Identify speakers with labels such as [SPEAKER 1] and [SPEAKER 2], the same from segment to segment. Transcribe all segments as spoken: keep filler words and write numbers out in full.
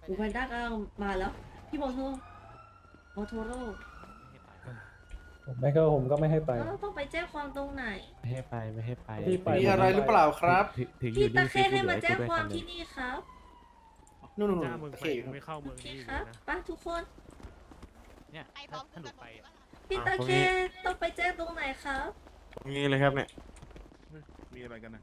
[SPEAKER 1] หมูแพนด้ากำลังมาแล้วพี่โมโทโมโทโร่
[SPEAKER 2] ผมไม่ก็ผมก็ไม่ให้ไป
[SPEAKER 1] แล้วเราต้องไปแจ้งความตรงไหน
[SPEAKER 3] ไม่ให้ไปไม่ให้ไป
[SPEAKER 2] พี่ไป
[SPEAKER 4] มีอะไรหรือเปล่าครับ
[SPEAKER 3] ถึงถึงอ
[SPEAKER 1] พี่
[SPEAKER 3] ยู่
[SPEAKER 1] ตะ
[SPEAKER 3] นี่
[SPEAKER 1] เคให้มาแจ้งความที่
[SPEAKER 3] นี่
[SPEAKER 1] นี่ครับ
[SPEAKER 4] นู่นนู่น
[SPEAKER 5] จ้ามึง
[SPEAKER 4] โอ
[SPEAKER 5] ไป
[SPEAKER 4] เค
[SPEAKER 5] ไม่เข้า
[SPEAKER 1] โอ
[SPEAKER 5] เมือง
[SPEAKER 1] เค
[SPEAKER 5] นี้อยู่
[SPEAKER 1] ครับ
[SPEAKER 5] นะ
[SPEAKER 1] ไปทุกคน
[SPEAKER 3] เนี่ย
[SPEAKER 6] ไปพร้อม
[SPEAKER 3] ถ้าหนูไป
[SPEAKER 1] พี่ตะเคต้องไปแจ้งตรงไหนครับ
[SPEAKER 3] ตรงนี้เลยครับเนี่ย
[SPEAKER 5] มีอะไรกันนะ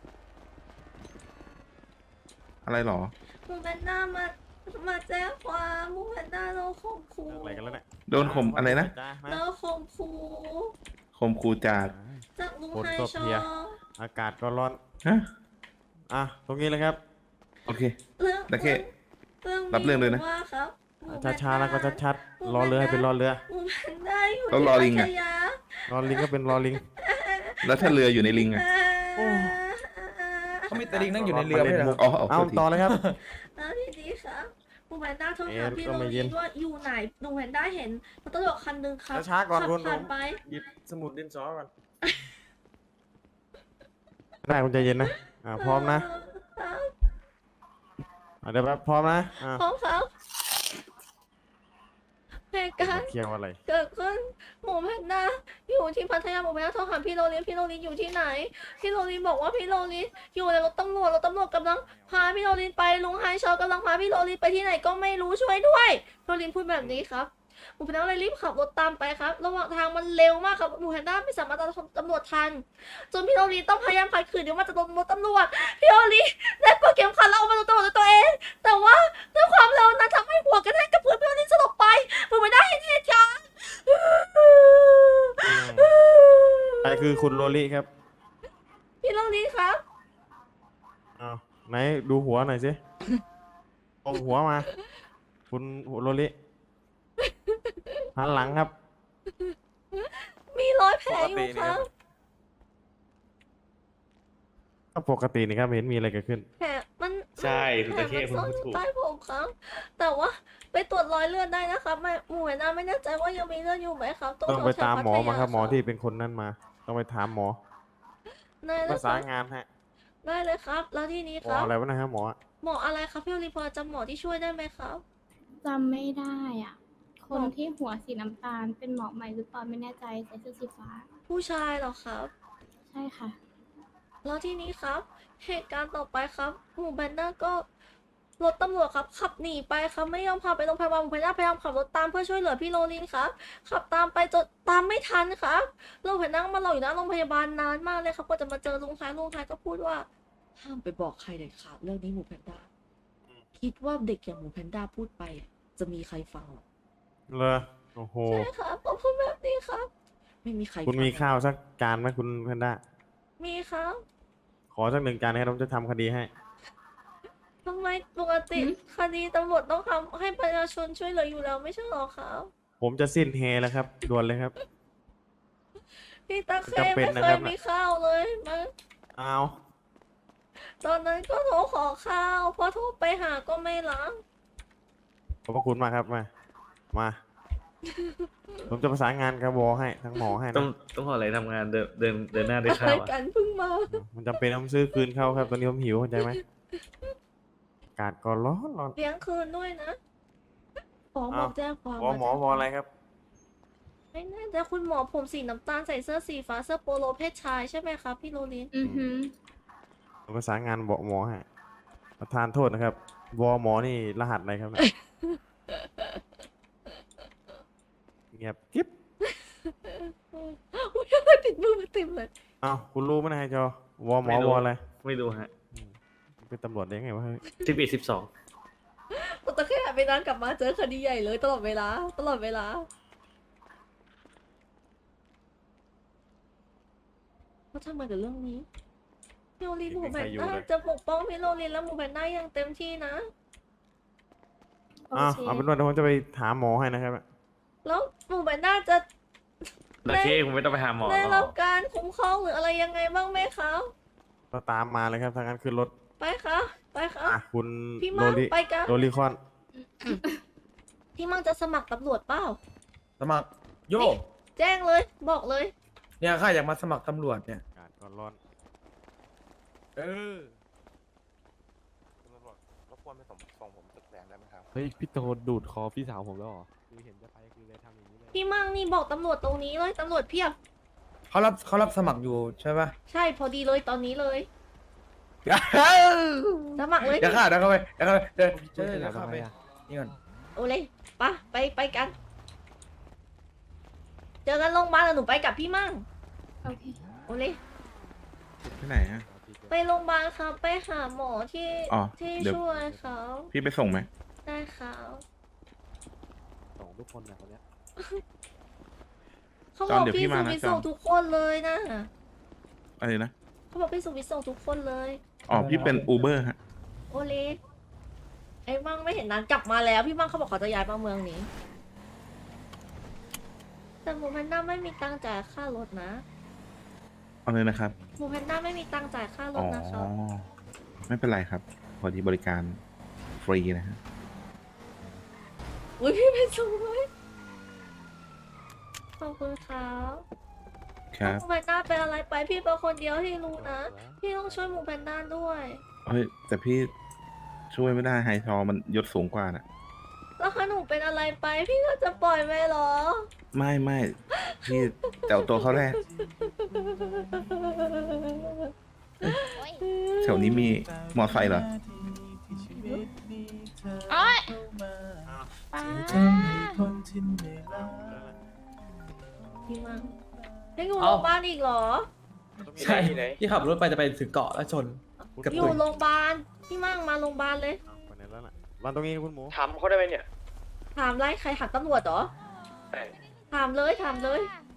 [SPEAKER 7] อะไรหรอ
[SPEAKER 1] หมูแพนด้ามามาแจ้งความหมูแพนด้าเราข่มขู่
[SPEAKER 3] เรื่องอะไรกันแล้วเนี่ย
[SPEAKER 7] โดนข่มอะไรนะ
[SPEAKER 3] จ้ามา
[SPEAKER 1] เราข่มขู่
[SPEAKER 7] ข่มขู่จาก
[SPEAKER 1] จากลุง
[SPEAKER 3] ฝน
[SPEAKER 1] ไฮ
[SPEAKER 3] ก็
[SPEAKER 1] ชอ
[SPEAKER 3] เพลีย อากาศก็ร้อน
[SPEAKER 7] ฮะ
[SPEAKER 3] อ่ะตรงนี้เลยครับ
[SPEAKER 7] โอเค
[SPEAKER 1] เรื่อง
[SPEAKER 7] ตะเค
[SPEAKER 1] เรื่อง
[SPEAKER 7] รับเรื่องเลยนะ
[SPEAKER 1] ว่าครับหมูแพนด้
[SPEAKER 3] ช้าๆแล้วก็ชัดๆรอเรือให้เป็นรอเรือ
[SPEAKER 1] หมูแพนด้าอยู่
[SPEAKER 7] แล้วรอลิง
[SPEAKER 1] ที่
[SPEAKER 7] อะ
[SPEAKER 1] พัทยาร
[SPEAKER 3] อลิงก็เป็นรอลิง
[SPEAKER 7] แล้วถ้าเรืออยู่ในลิงอะ
[SPEAKER 1] เอ่อ
[SPEAKER 2] เขามีแต่ลิงนั่งอยู่ในเรือไม่ใช่เหรอ
[SPEAKER 7] อ๋อเอา
[SPEAKER 3] เอา
[SPEAKER 7] โทษที
[SPEAKER 3] ต่อเลยครับ
[SPEAKER 1] แล้วทีนี้ครับหมูแพนด้าโทร
[SPEAKER 3] เอ๊ะ
[SPEAKER 1] หาพี่
[SPEAKER 3] ก็
[SPEAKER 1] โร
[SPEAKER 3] ไม่เย็
[SPEAKER 1] ลิ
[SPEAKER 3] น
[SPEAKER 1] นว่าอยู่ไหนหมูแพนด้าเห็นรถตำรวจคันหนึงครับ
[SPEAKER 3] ช้าๆก่อน
[SPEAKER 1] ขับ
[SPEAKER 3] คุณ
[SPEAKER 1] ผ่านไป
[SPEAKER 3] หยิบสมุดดินสอก่อนได้คุณใจเย็นนะอ่าพร้อมนะอ่ะเดี๋ยวแป๊บพร้อมนะอ่า
[SPEAKER 1] พร้อมครับเหตุการณ์
[SPEAKER 3] เคลียร์ว่าอะไร
[SPEAKER 1] เกิดขึ้นหมูแพนด้าอยู่ที่พัทยาหมูแพนด้าโทรหาพี่โรลินพี่โรลินอยู่ที่ไหนพี่โรลินบอกว่าพี่โรลินอยู่ในรถตำรวจรถตำรวจกำลังพาพี่โรลินไปลุงไฮชอกำลังพาพี่โรลินไปที่ไหนก็ไม่รู้ช่วยด้วยพี่โรลินพูดแบบนี้ครับหมูแพนด้าเลยรีบขับรถตามไปครับระหว่างทางมันเร็วมากครับหมูแพนด้าไม่สามารถตามตำรวจทันจนพี่โรลินต้องพยายามขัดขืนเดี๋ยวมันจะโดนรถตำรวจพี่โรลินได้ปลดเข็มขัดแล้วเอามาโดนตำรวจด้วยตัวเอง แต่ว่าด้วยความเร็วนั้นทำให้หัวกระแทกกับพื้นพี่โรลินสลบไปหมูแพนด้าเห็นเหตุการณ์
[SPEAKER 3] ใครคือคุณโรลิครับ
[SPEAKER 1] พี่โรลินครับ
[SPEAKER 3] อ้าวไหนดูหัวหน่อยสิเอาหัวมา คุณโรลิหันหลังครับ
[SPEAKER 1] มีรอยแผลอยู่ครับ
[SPEAKER 3] ก็ปกตินี่ครับเห็นมีอะไรเกิดขึ้น
[SPEAKER 1] แผลมัน
[SPEAKER 4] ใช่คุณ
[SPEAKER 1] แผล
[SPEAKER 4] ตะเข้
[SPEAKER 1] มัน
[SPEAKER 4] คุณ
[SPEAKER 1] ซ่อน
[SPEAKER 4] พูด
[SPEAKER 1] อยู่
[SPEAKER 4] ถูก
[SPEAKER 1] ใต้ผมครับ แต่ว่าไปตรวจรอยเลือดได้นะครับไม่หมูแพนด้าไม่แน่ใจว่ายังมีเลือดอยู่ไหมครับ
[SPEAKER 3] ต้องไป
[SPEAKER 1] แถวๆ
[SPEAKER 3] ตามหมอมาครับ
[SPEAKER 1] พัทย
[SPEAKER 3] หมอที่เป็นคนนั่นมา ต้องไปถามหมอ
[SPEAKER 1] ได้เล
[SPEAKER 3] ภาย
[SPEAKER 1] ค
[SPEAKER 3] ษา
[SPEAKER 1] รับ
[SPEAKER 3] งานฮะ
[SPEAKER 1] ได้เลยครับ แล้วที่นี้
[SPEAKER 3] หม
[SPEAKER 1] ค
[SPEAKER 3] อ
[SPEAKER 1] รับ
[SPEAKER 3] อะไรวะนะครับหมอ
[SPEAKER 1] หมออะไรครับพี่โรลินพอจำหมอที่ช่วยได้ไหมครับ
[SPEAKER 6] จำไม่ได้อ่ะ คน
[SPEAKER 1] หมอ
[SPEAKER 6] ที่หัวสีน้ำตาลเป็นหมอใหม่หรือเปล่าไม่แน่ใจใส่เสื้อสีฟ้า
[SPEAKER 1] ผู้ชายเหรอครับ
[SPEAKER 6] ใช่ค่ะ
[SPEAKER 1] แล้วที่นี้ครับ เหตุการณ์ต่อไปครับหมูแพนด้าก็รถตำรวจครับขับหนีไปครับไม่ยอมพาไปโรงพยาบาลหมูแพนด้าพยายามขับรถตามเพื่อช่วยเหลือพี่โรลินครับขับตามไปจนตามไม่ทันครับลุงแพนด้ามารออยู่หน้าโรงพยาบาลนานมากเลยครับกว่าจะมาเจอลุงชายลุงชายก็พูดว่าห้ามไปบอกใครเด็ดขาดเรื่องนี้หมูแพนด้าคิดว่าเด็กอย่างหมูแพนด้าพูดไป จะมีใครฟังหรอ
[SPEAKER 3] เลยโอ้โห
[SPEAKER 1] ใช่ครับผมพูดแบบนี้ครับ ไม่มีใคร
[SPEAKER 3] คุณมี
[SPEAKER 1] ฟัง
[SPEAKER 3] ข้าวสักจานไหมคุณแพนด้า
[SPEAKER 1] มีครับ
[SPEAKER 3] ขอสักหนึ่งจานนะครับผมจะทำคดีให้
[SPEAKER 1] ทำไมปกติ
[SPEAKER 6] หืม
[SPEAKER 1] คดีตำรวจต้องทำให้ประชาชนช่วยเหลืออยู่แล้วไม่ใช่หรอครับ
[SPEAKER 3] ผมจะสิ้นเฮแล้วครับด่วนเลยครับ
[SPEAKER 1] พี่ตาเค
[SPEAKER 3] จำเป็
[SPEAKER 1] ไม่
[SPEAKER 3] นนะ
[SPEAKER 1] เค
[SPEAKER 3] ครั
[SPEAKER 1] ย
[SPEAKER 3] บ
[SPEAKER 1] มีข้าวเลยมา
[SPEAKER 3] เอา
[SPEAKER 1] ตอนนั้นก็โทรขอข้าวพอโทรไปหาก็ไม่รับ
[SPEAKER 3] ขอบพระคุณมากครับมา มา ผมจะประสานงานกับวอให้ทั้งหมอให้
[SPEAKER 4] ต้อง
[SPEAKER 3] นะ
[SPEAKER 4] ต้องขออะไรทำงานเดินเดินเดินหน้าด้วย
[SPEAKER 1] อะ
[SPEAKER 4] ข้า
[SPEAKER 1] ไร
[SPEAKER 4] วอะ
[SPEAKER 1] กันเพิ่งมา
[SPEAKER 3] มันจำเป็นต้องซื้อคืนเขาครับ ตอนนี้ผมหิวเข้าใจไหมอากาศก็ร้อนร้อน
[SPEAKER 1] เลี้ยงคืนด้วยนะหมอบอกแจ้งความ
[SPEAKER 3] วอหมอวออะไรครับ
[SPEAKER 1] ไม่แน่ใจคุณหมอผมสีน้ำตาลใส่เสื้อสีฟ้าเสื้อโปโลเพศชายใช่ไหมครับพี่โรลิน
[SPEAKER 6] อือหือ
[SPEAKER 3] ผมประสานงานบอกหมอให้ประธานโทษนะครับ วอหมอนี่รหัสอะไรครับเนี่ยเงียบกิ๊บ
[SPEAKER 1] อุ้ยอะไรติดมือมาติดเลย
[SPEAKER 3] อ้าวคุณรู้ไหมนายจอวอหมอวออะไร
[SPEAKER 4] ไม่ดูฮะ
[SPEAKER 3] เป็นตำรวจได้ไงวะเฮ้ย
[SPEAKER 4] สิบเอ็ดสิบสอง
[SPEAKER 1] แต่แค่ไปนั่งกลับมาเจอคดีใหญ่เลยตลอดเวลา ตลอดเวลาเขาทำไมกับเรื่องนี้พี่โรลินหมูแพนด้าจะปกป้องพี่โรลินและหมูแพนด้าอย่างเต็มที่นะ
[SPEAKER 6] โอ
[SPEAKER 3] อ้าว
[SPEAKER 6] เค
[SPEAKER 3] เอาเป็นว่าเดี๋ยวผมจะไปถามหมอให้นะครับ
[SPEAKER 1] แล้วหมูแพนด้าจะ
[SPEAKER 4] ตะเข้คุณไม่ต้องไปหาหมอ
[SPEAKER 1] ได้
[SPEAKER 4] หร
[SPEAKER 1] รั
[SPEAKER 4] อบ ก
[SPEAKER 1] การคุ้มครองหรืออะไรยังไงบ้างไหมครับ
[SPEAKER 3] ก็ตามมาเลยครับทางนั้นขึ้นรถ
[SPEAKER 1] ไปค่ะไปค่ะ
[SPEAKER 3] อ่ะคุณ
[SPEAKER 1] พี่
[SPEAKER 3] โร
[SPEAKER 1] มั่ง
[SPEAKER 3] ลิ
[SPEAKER 1] ไปกัน
[SPEAKER 3] โรลิคอน
[SPEAKER 1] พี่มั่งจะสมัครตำรวจเปล่า
[SPEAKER 2] สมัครโย
[SPEAKER 1] แจ้งเลย บอกเลย
[SPEAKER 2] เนี่ยข้าอยากมาสมัครตำรวจเนี่ย
[SPEAKER 3] อากาศก็ร้อน
[SPEAKER 2] เออ
[SPEAKER 3] คุณตำรวจรบกวนไปส่งส่งผมตึกเฮ้ยพี่โตดูดคอพี่สาวผมแล้วเหรอคือเห็นจะไปคือเลยทำอย่างนี้เลย
[SPEAKER 1] พี่มั่งนี่บอกตำรวจตรงนี้เลยตำรวจเพียบ
[SPEAKER 2] เขารับเขารับสมัครอยู่ใช่ปะ
[SPEAKER 1] ใช่พอดีเลยตอนนี้เลยสมัครเลย
[SPEAKER 2] เดี๋ยว
[SPEAKER 1] พี่
[SPEAKER 2] ข้าเดี๋ยวเข้าไปเดี๋ยวเข้าไปเดี๋ยว
[SPEAKER 3] ช่วยข
[SPEAKER 2] เดี๋
[SPEAKER 3] ยั
[SPEAKER 2] ย
[SPEAKER 3] บ
[SPEAKER 2] วเข้า
[SPEAKER 3] ทำ
[SPEAKER 2] ไป
[SPEAKER 3] ไมอะ
[SPEAKER 2] นี่ก่อน
[SPEAKER 1] โอเลยปะไปไปกัน เจอกันโรงพยาบาลแล้วหนูไปกับพี่มั่ง
[SPEAKER 6] โอเค
[SPEAKER 1] โอเลย
[SPEAKER 7] ที่ไหนฮะ
[SPEAKER 1] ไปโรงพยาบาลครับไปหาหมอที่
[SPEAKER 7] อ๋อ
[SPEAKER 1] ที่
[SPEAKER 7] เดี๋ยว
[SPEAKER 1] ช่วยเขา
[SPEAKER 7] พี่ไปส่งไหม
[SPEAKER 1] ได้ครับ
[SPEAKER 3] ส่งทุกคนนะคนเนี้ย
[SPEAKER 1] เขาบอกพี่สุวิทย์ส่งทุกคนเลยนะ
[SPEAKER 7] อะไรนะ
[SPEAKER 1] เขาบอกพี่สุวิทย์ส่งทุกคนเลย
[SPEAKER 7] อ๋อ พี่เป็นอูเบอร์ฮะ
[SPEAKER 1] โอเลไอ้มั่งไม่เห็นนั้นกลับมาแล้วพี่มั่งเขาบอกเขาจะย้ายมาเมืองนี้ แต่หมูแพนด้าไม่มีตังค์จ่ายค่ารถนะ
[SPEAKER 7] เอาเลยนะครับ
[SPEAKER 1] หมูแพนด้าไม่มีตังค์จ่ายค่าร
[SPEAKER 7] อ๋
[SPEAKER 1] ถ
[SPEAKER 7] อ
[SPEAKER 1] นะครับ
[SPEAKER 7] ไม่เป็นไรครับ พอดีบริการฟรีนะฮะ
[SPEAKER 1] อุ้ยพี่เป็นสูงเลยขอบคุณครับ
[SPEAKER 7] ครับ
[SPEAKER 1] หมูแพนด้าเป็นอะไรไปพี่เป็นคนเดียวที่รู้นะ พี่ต้องช่วยหมูแพนด้าด้วย
[SPEAKER 7] เฮ้ย แต่พี่ช่วยไม่ได้ไฮทอมันยศสูงกว่าน่ะ
[SPEAKER 1] แล้วถ้าหนูเป็นอะไรไป พี่ก็จะปล่อยไหมเหรอ
[SPEAKER 7] ไม่ไม่พี่แต่เอาตัวเขาแรกแถวนี้มีมอไซค์เหรอ
[SPEAKER 6] โอ๊ยป้า
[SPEAKER 1] พี่มังยังอยู่โรงพยาบาลอีกเหรอ
[SPEAKER 2] ใช่ที่ขับรถไปจะไปถึงเกาะแล้วชน
[SPEAKER 3] คุณ
[SPEAKER 2] เกือบ
[SPEAKER 1] อ
[SPEAKER 2] ตุ
[SPEAKER 1] ยู่
[SPEAKER 2] ย
[SPEAKER 1] โรงพยาบาลพี่มั่งมาโรงพยาบาลเลย
[SPEAKER 3] ไปไหนแล้วน่ะวันตรงนี้คุณหมู
[SPEAKER 2] ถามเขาได้ไหมเนี่ย
[SPEAKER 1] ถามไรใครหัดตำรวจเหรอ ถามเลยถามเลย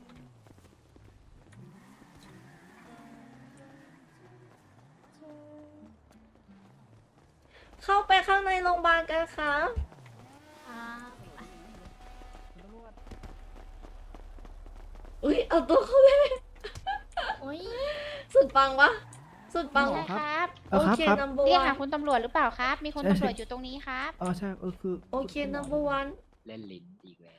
[SPEAKER 1] เข้าไปข้างในโรงพยาบาลกันค่ะ
[SPEAKER 6] อ่า
[SPEAKER 1] อุ้ยเอาตัวเขาเลย
[SPEAKER 6] โอ้ย
[SPEAKER 1] สุดปังวะสุดปัง
[SPEAKER 6] ใช่ครับ
[SPEAKER 1] โอเค number
[SPEAKER 6] เรียก
[SPEAKER 1] one
[SPEAKER 6] หาคุณตำรวจหรือเปล่าครับ มีคนตำรวจอยู่ตรงนี้ครับ
[SPEAKER 8] อ๋อใช่เออคือ
[SPEAKER 1] โอเค number one
[SPEAKER 9] เล่นลิ้นอีกแล้ว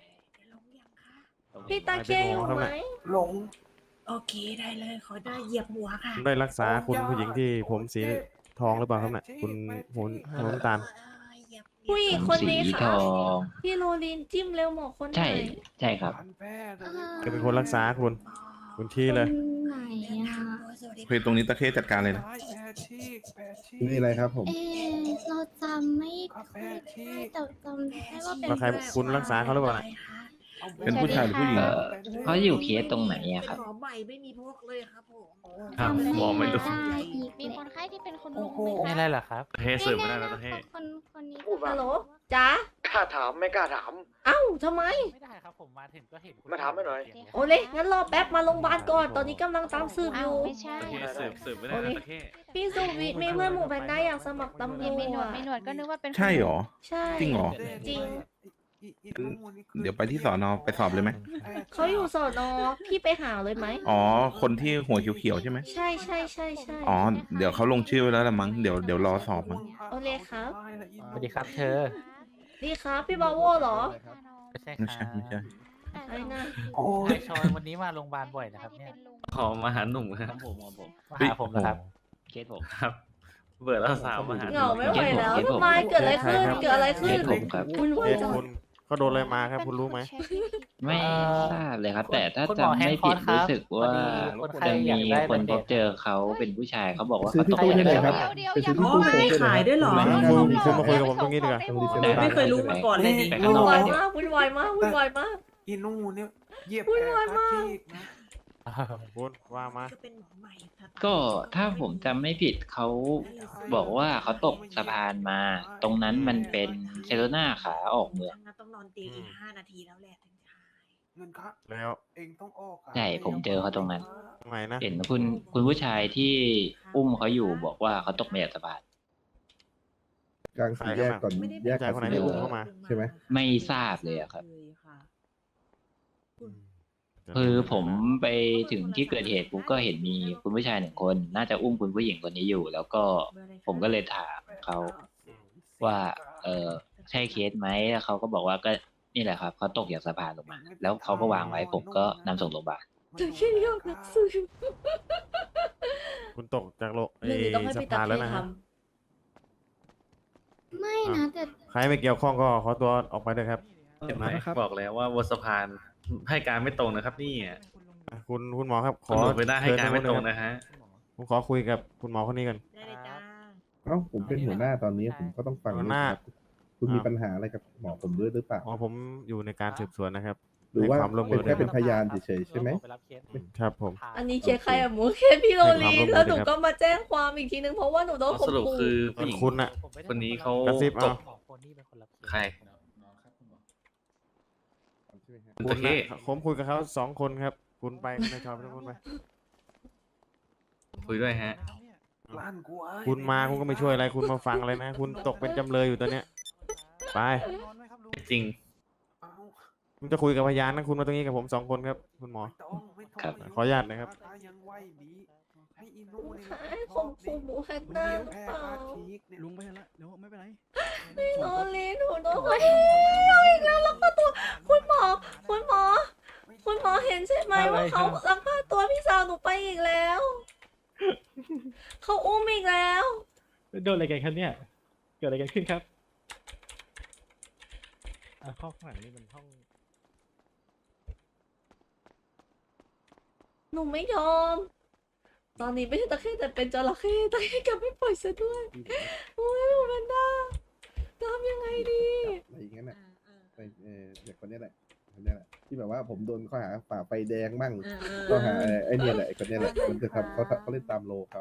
[SPEAKER 1] พี่ตาเคียอยู่ไหม
[SPEAKER 8] หลง
[SPEAKER 10] โอเคได้เลยขอได้เหยียบหัวค่ะ
[SPEAKER 3] ได้รักษาคุณผู้หญิงที่ผมสีทองหรือเปล่าครับเนี่ยคุณผมผมน้ำตาล
[SPEAKER 1] ผู้หญิงคนนี้
[SPEAKER 9] สีท
[SPEAKER 1] ค่ะ
[SPEAKER 9] อง
[SPEAKER 1] พี่โรลินจิ้มเร็วหมอคนไหน
[SPEAKER 9] ใช่ใช่ครับ
[SPEAKER 3] จะเป็นคนรักษาคุณ คุณที่เลย
[SPEAKER 6] คนไหนอ่ะ
[SPEAKER 7] โอเคตรงนี้ตะเข้จัดการเลยนะ
[SPEAKER 8] นี่อะไรครับผม
[SPEAKER 6] เอ๊ะเราจำไม่ค่อยได้แต่จำได้ว่าเป็น
[SPEAKER 3] แล้วใครคุณรักษาเขาหรือเปล่าน่ะ
[SPEAKER 7] เป็นผู้ชายหรือผู้หญิง
[SPEAKER 9] เอ่อเขาอยู่เคสตรงไหนอะครับ
[SPEAKER 10] ขอใหม่ไม่มีพวกเลยครับผม
[SPEAKER 4] ครับหมอไม่รู้
[SPEAKER 6] ได้อีกมีคนไข้ที่เป็นคนลุกไหม
[SPEAKER 4] ไม่ได้หรอครับเฮ้สืบไม่ได้แล้วเฮ้
[SPEAKER 6] คนคนนี้
[SPEAKER 1] ฮัลโหลจ๋าก
[SPEAKER 2] ล้าถามไม่กล้าถาม
[SPEAKER 1] เอ้าทำไม
[SPEAKER 8] ไม่ได้ครับผมมาถึงก็เห็น
[SPEAKER 2] มาถามให้หน่อย
[SPEAKER 1] โอเลงั้นรอแป๊บมาโรงพยาบาลก่อน ตอนนี้กำลังตามสืบอ
[SPEAKER 6] อ้าว
[SPEAKER 1] ยู่
[SPEAKER 6] ไม่ใช่
[SPEAKER 4] เฮ้สืบสืบไม่ได้นะตะเข้
[SPEAKER 1] พี่สุวิทย์มีเพื่อนหมู่แพนด้าอยากสมัครตำร
[SPEAKER 6] มีมีหนว
[SPEAKER 1] ว
[SPEAKER 6] ด
[SPEAKER 1] จ
[SPEAKER 6] มีหนวดก็นึกว่าเป็น
[SPEAKER 7] ใช่เหรอ
[SPEAKER 1] ใช่
[SPEAKER 7] จริงเหรอ
[SPEAKER 1] จริง
[SPEAKER 7] เดี๋ยวไปที่สอนอไปสอบเลยไหม
[SPEAKER 1] เขาอยู่สอนอพี่ไปหาเลยไหม
[SPEAKER 7] อ๋อ คนที่หัวเขียวๆใช่ไหม
[SPEAKER 1] ใช่ใช่ใช่ใช่
[SPEAKER 7] อ๋อ เดี๋ยวเขาลงชื่อไว้แล้วละมั้ง เดี๋ยวเดี๋ยวรอสอบมั้ง
[SPEAKER 1] โอเลครับ
[SPEAKER 8] สวัสดีครับเธอ
[SPEAKER 1] ดีครับพี่บาโวเหรอ
[SPEAKER 8] ไม่ใช่
[SPEAKER 7] ไม่ใช่ไม่ใช่
[SPEAKER 1] ไอ้น่ะ
[SPEAKER 8] โอ้ยชอนวันนี้มาโรงพยาบาลบ่อยนะครับเนี่ย
[SPEAKER 4] ขอมาหาหนุ่มครับ
[SPEAKER 9] ผมผมผม
[SPEAKER 8] มาหาผมนะครับ
[SPEAKER 9] เคสผม
[SPEAKER 4] ครับ เบื่อแล้วสาวมาหาห
[SPEAKER 1] เห
[SPEAKER 4] นุ่
[SPEAKER 1] งาม ไม่ไหวแล้ว
[SPEAKER 9] เก็บผม
[SPEAKER 1] ทำไมเกิดอะไรขึ้น เกิดอะไร
[SPEAKER 9] เค
[SPEAKER 1] ขึ้น
[SPEAKER 9] สผมครับ
[SPEAKER 1] คุณ
[SPEAKER 3] เค
[SPEAKER 1] ว่า
[SPEAKER 3] ส
[SPEAKER 1] จัง
[SPEAKER 3] คุณเขาโดนอะไรมาครับ คุณรู้ไหม
[SPEAKER 9] ไม่
[SPEAKER 8] เอ่อ
[SPEAKER 9] ทราบเลยครับ แต่ถ้า
[SPEAKER 8] คุณหมอ
[SPEAKER 9] จำไม่
[SPEAKER 8] แฮงคอ
[SPEAKER 9] ผิ
[SPEAKER 8] ร์
[SPEAKER 9] ด
[SPEAKER 8] สครับ
[SPEAKER 9] รู้สึกว่า
[SPEAKER 8] พอดีคนไข้
[SPEAKER 9] จะ
[SPEAKER 8] อยา
[SPEAKER 9] มี
[SPEAKER 8] กได้
[SPEAKER 9] คน
[SPEAKER 8] ใบ
[SPEAKER 9] พ
[SPEAKER 8] เด็
[SPEAKER 9] บ
[SPEAKER 8] ก
[SPEAKER 9] เจอเขาเป็นผู้ชายเขาบอกว่า
[SPEAKER 8] ซื้อ
[SPEAKER 9] เขา
[SPEAKER 8] ที่
[SPEAKER 9] ตก
[SPEAKER 8] ตู้
[SPEAKER 9] ใจ
[SPEAKER 8] ได้เลยครับ
[SPEAKER 6] เดี๋ยว
[SPEAKER 8] ไป
[SPEAKER 6] เดี๋ยว
[SPEAKER 8] ซื้อที่ตู้
[SPEAKER 10] อ๋อมีขายด้วยเหรอ
[SPEAKER 3] คุณคุณมาคุยกับผมตรงนี้ดีกว่า
[SPEAKER 10] ไม่เคยรู้มาก่อนเลยนี่
[SPEAKER 9] ไป
[SPEAKER 1] วุ่
[SPEAKER 9] ข้าง
[SPEAKER 1] น
[SPEAKER 9] นอก
[SPEAKER 1] วาย
[SPEAKER 9] เดี๋ยว
[SPEAKER 1] มากวุ่นวายมากวุ่นวายมาก
[SPEAKER 8] อีนู่เนี่ยเหยียบ
[SPEAKER 1] วุ่นวายมาก
[SPEAKER 3] คุณว่ามา
[SPEAKER 10] ก็เป็นหมอใหม่ค่ะ
[SPEAKER 9] ก็ถ้าผมจำไม่ผิดเขาบอกว่าเขาตกสะพานมา ตรงนั้นมันเป็นเซโรนาขาออกเมือง
[SPEAKER 10] ต้องนอนเตียงอีกห้านาทีแล้วแหละถึงจะหาย
[SPEAKER 8] เงินครับ
[SPEAKER 3] แล้ว
[SPEAKER 8] เองต้องออก
[SPEAKER 9] ใช่ผมเจอเขาตรงนั้น
[SPEAKER 3] ทำไมนะ
[SPEAKER 9] เห็นคุณคุณผู้ชายที่อุ้มเขาอยู่บอกว่าเขาตกมาจากสะพาน
[SPEAKER 8] กลางสี่แยกก่อนแยก
[SPEAKER 3] ผู้ชายคนไหนที่อุ้มเข้ามา
[SPEAKER 8] ใช่ไหม
[SPEAKER 9] ไม่ทราบเลยอะครับ
[SPEAKER 10] เลยค่ะ
[SPEAKER 9] คือผมไปถึงที่เกิดเหตุผมก็เห็นมีคุณผู้ชายหนึ่งคน น่าจะอุ้มคุณผู้หญิงคนนี้อยู่ แล้วก็ผมก็เลยถามเขาว่า เออใช่เคสไหมแล้วเขาก็บอกว่าก็นี่แหละครับเขาตกจากสะพานลงมา แล้วเขาก็วางไว้ผมก็นำส่งโรงพยาบาล
[SPEAKER 1] เจอแค่นี้นักสืบ
[SPEAKER 3] คุณตกจากโลก
[SPEAKER 1] เรื่องนี้ต้องให้
[SPEAKER 3] สะ
[SPEAKER 1] พี่
[SPEAKER 3] พา
[SPEAKER 1] ตาน
[SPEAKER 3] แล้ว
[SPEAKER 1] เท
[SPEAKER 3] นะ
[SPEAKER 1] ท
[SPEAKER 3] ฮะ
[SPEAKER 6] ไม่นะแต่
[SPEAKER 3] ใครไม่เกี่ยวข้องก็ขอตัวออกไปเลยครับ
[SPEAKER 4] เห็นไหมบอกแล้วว่าบนสะพานให้การไม่ตรงนะครับนี่อ่ะ
[SPEAKER 3] คุณคุณหมอครับขอ
[SPEAKER 4] ตำรวจไม่ได้ให้การไม่ตรง
[SPEAKER 3] เชิญ
[SPEAKER 4] นะฮะ
[SPEAKER 3] ผมขอคุยกับคุณหมอคนนี้กัน
[SPEAKER 10] ได้เลยจ้า
[SPEAKER 8] เอ้าผมเป็นหัวหน้าตอนนี้ผมก็ต้องฟัง
[SPEAKER 3] หัวหน้า
[SPEAKER 8] ครับคุณมีปัญหาอะไรกับหมอผมด้วยหรือเปล่า
[SPEAKER 3] อ๋อผมอยู่ในการสืบสวนนะครับ
[SPEAKER 8] หรือว่า
[SPEAKER 3] ให้ความร่วมมื
[SPEAKER 8] เป็น
[SPEAKER 3] อ
[SPEAKER 8] แค่
[SPEAKER 3] นะ
[SPEAKER 8] เป็นพยานเฉยๆใช่ไหม
[SPEAKER 3] ครับผม
[SPEAKER 1] อันนี้เคสใครอะหมูเคสพี่โรลี
[SPEAKER 3] ให้ความร่วมมือ
[SPEAKER 1] แล้วหนู
[SPEAKER 3] ด้วยครับ
[SPEAKER 1] ก็มาแจ้งความอีกทีนึงเพราะว่าหนูโดน
[SPEAKER 4] อ๋อ
[SPEAKER 1] ข่ม
[SPEAKER 4] สรุป
[SPEAKER 1] ขู่
[SPEAKER 4] คือผู้หญิง
[SPEAKER 3] คุณน่ะ
[SPEAKER 4] คนนี้เขา
[SPEAKER 3] กระซิบ
[SPEAKER 4] ต
[SPEAKER 3] เอา
[SPEAKER 4] กใคร
[SPEAKER 3] คุณ
[SPEAKER 4] ตะเข้
[SPEAKER 3] น่ะผมคุยกับเขาสองคนครับ คุณไปคุณนายชอบไปทุกคนไป
[SPEAKER 4] คุยด้วยฮะ
[SPEAKER 8] ล้านกูเอ้ย
[SPEAKER 3] คุณมาคุณก็ไม่ช่วยอะไรคุณมาฟังอะไรนะ คุณตกเป็นจำเลยอยู่ตอนเนี้ยไป
[SPEAKER 4] จริง
[SPEAKER 8] เอ้า
[SPEAKER 3] ผมจะคุยกับพยานนะคุณมาตรงนี้กับผมสองคนครับ คุณหมอ
[SPEAKER 8] ไม่ต้องไม่ต้อง
[SPEAKER 9] ครับ
[SPEAKER 3] ขออนุญาตนะครับ
[SPEAKER 8] ยังไหวดีให้อีนู่นนี่
[SPEAKER 1] ให้ข่มขู่หมูแพนด้าหรือ
[SPEAKER 8] แพ้
[SPEAKER 1] เปล่า
[SPEAKER 8] อาชีกเนี่ย
[SPEAKER 5] ลุงไปแล้วเดี๋ยวไม่เป็นไร
[SPEAKER 1] พี่โรลีหนูโดนข่มขู่เอาอีกแล้วลักพาตัวคุณหมอ คุณหมอ คุณหมอเห็นใช่ไหมว่าเขาลักพาตัวพี่สาวหนูไปอีกแล้วเขาอุ้มอีกแล้ว
[SPEAKER 11] โดนอะไรกันครับเนี่ย เกิดอะไรกันขึ้นครับอ่าห้องข้างหลังนี่มันห้อง
[SPEAKER 1] หนูไม่ยอม ตอนนี้ไม่ใช่ตะเข้แต่เป็นจระเข้ตะเข้กลับไม่ปล่อยซะด้วยโอ้ยหมูแพนด้าทำยังไงดี
[SPEAKER 8] อะไรอย่างนั้นน่ะไปเออเด็กคนนี้แหละคนนี้แหละที่แบบว่าผมโดนข้อหาฝ่าไฟแดงมั่งข้อหาเอ่อไอ้เนี่ยแหละไอ้คนนี้แหละมันจะทำเขาเขาเล่นตามโลเขา